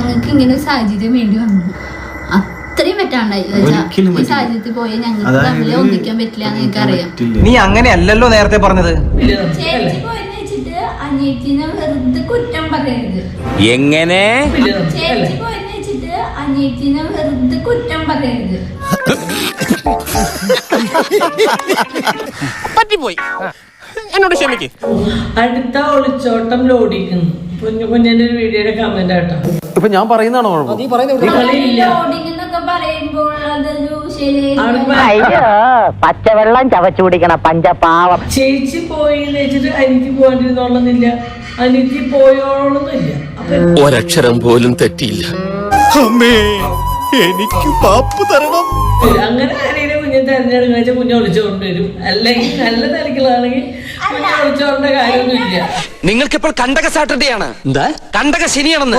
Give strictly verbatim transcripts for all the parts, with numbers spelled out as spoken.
ഞങ്ങൾക്ക് ഇങ്ങനെ ഒരു സാഹചര്യം വേണ്ടി വന്നു. അത്രയും പറ്റാണ്ടായി. ഈ സാഹചര്യത്തിൽ പോയാൽ ഞങ്ങൾക്ക് തമ്മിൽ ഒന്നിക്കാൻ പറ്റില്ല എന്ന് എനിക്കറിയാം. നീ അങ്ങനെയല്ലല്ലോ നേരത്തെ പറഞ്ഞത്. ചേച്ചി പോയെന്ന് വെച്ചിട്ട് അനിയത്തിനെ വെറുതെ കുറ്റം പറയരുത്. എങ്ങനെ ചേച്ചി പോയെന്ന് വെച്ചിട്ട് അനിയത്തിനെ വെറുതെ കുറ്റം പറയരുത്. പറ്റിപ്പോയി, എന്നോട് ക്ഷമിക്ക്. അടുത്ത ഒളിച്ചോട്ടം ലോഡിക്കുന്നു. കുഞ്ഞു കുഞ്ഞിന്റെ ഒരു വീഡിയോയുടെ കമന്റ് ആട്ടോ. ഇപ്പൊ ഞാൻ പറയുന്നതാണോ ലോഡിംഗ് എന്നൊക്കെ പറയുമ്പോൾ അതൊരു ശരിയായി. പച്ചവെള്ളം ചവച്ചു കുടിക്കണ പഞ്ചപാവം. ചേച്ചി പോയി വെച്ചിട്ട് എനിക്ക് പോകാണ്ടിരുന്നോളന്നില്ല, എനിക്ക് പോയോളൊന്നുമില്ല. ഒരക്ഷരം പോലും തെറ്റിയില്ല. അമ്മേ, എനിക്ക് പാപ്പ് തരണം. അങ്ങനെ ആരെയും കുഞ്ഞെ തെരഞ്ഞെടുക്കുന്ന വെച്ചാൽ കുഞ്ഞെ ഒളിച്ചോണ്ട് വരും. അല്ലെങ്കിൽ നല്ല തിരക്കുകളാണെങ്കിൽ കുഞ്ഞെ ഒളിച്ചോണ്ട കാര്യമൊന്നുമില്ല. നിങ്ങൾക്കിപ്പോൾ കണ്ടക സാറ്റർഡേ ആണ്. എന്താ കണ്ടക ശനിയാണെന്ന്?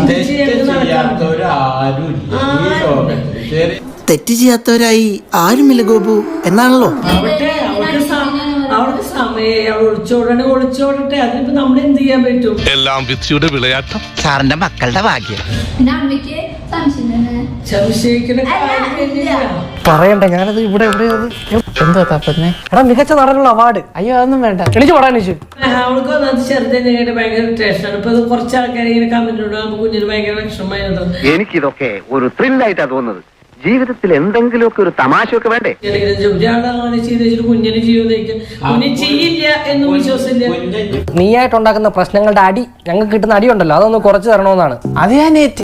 തെറ്റ് ചെയ്യാത്തവരായി ആരുമില്ല ഗോപു എന്നാണല്ലോ. അവിടെ അവർക്ക് സമയം അവൾ ഒളിച്ചോടണേ ഒളിച്ചോടട്ടെ. അതിനിപ്പോ നമ്മൾ എന്ത് ചെയ്യാൻ പറ്റും? എല്ലാം വിധിയുടെ വിളയാട്ടം. സാറിന്റെ മക്കളുടെ ഭാഗ്യം. പിന്നെ അമ്മയ്ക്ക് സംശയം തന്നെ. സംശയിക്കുന്ന പറയണ്ട, ഞാനത് ഇവിടെ ഇവിടെ എന്താ തപ്പന്നെ. എടാ മികച്ച നടനുള്ള അവാർഡ്. അയ്യോ അതൊന്നും വേണ്ട, എണിച്ചു പറയാൻ അവൾക്ക് വന്നത് ചെറുതിനെ ഭയങ്കര ടെൻഷനാണ്. ഇപ്പൊ കുറച്ച് ആൾക്കാർ ഇങ്ങനെ കമന്റ് ഇടുമ്പോൾ കുഞ്ഞിന് ഭയങ്കര വിഷമമായിരുന്നു. എനിക്കിതൊക്കെ ഒരു ത്രില്ലായിട്ടാ തോന്നുന്നത്. ജീവിതത്തിൽ എന്തെങ്കിലുമൊക്കെ ഒരു തമാശയൊക്കെ വേണ്ടേ? ഒരാളാണ് ചെയ്ത് വെച്ചിട്ട് കുഞ്ഞിന് ജീവിതം കുഞ്ഞ് ചെയ്യില്ല എന്ന് വിശ്വസില്ല. നീയായിട്ടുണ്ടാക്കുന്ന പ്രശ്നങ്ങളുടെ അടി ഞങ്ങൾക്ക് കിട്ടുന്ന അടി ഉണ്ടല്ലോ, അതൊന്ന് കുറച്ച് തരണമെന്നാണ്. അത് ഞാൻ ഏറ്റ്.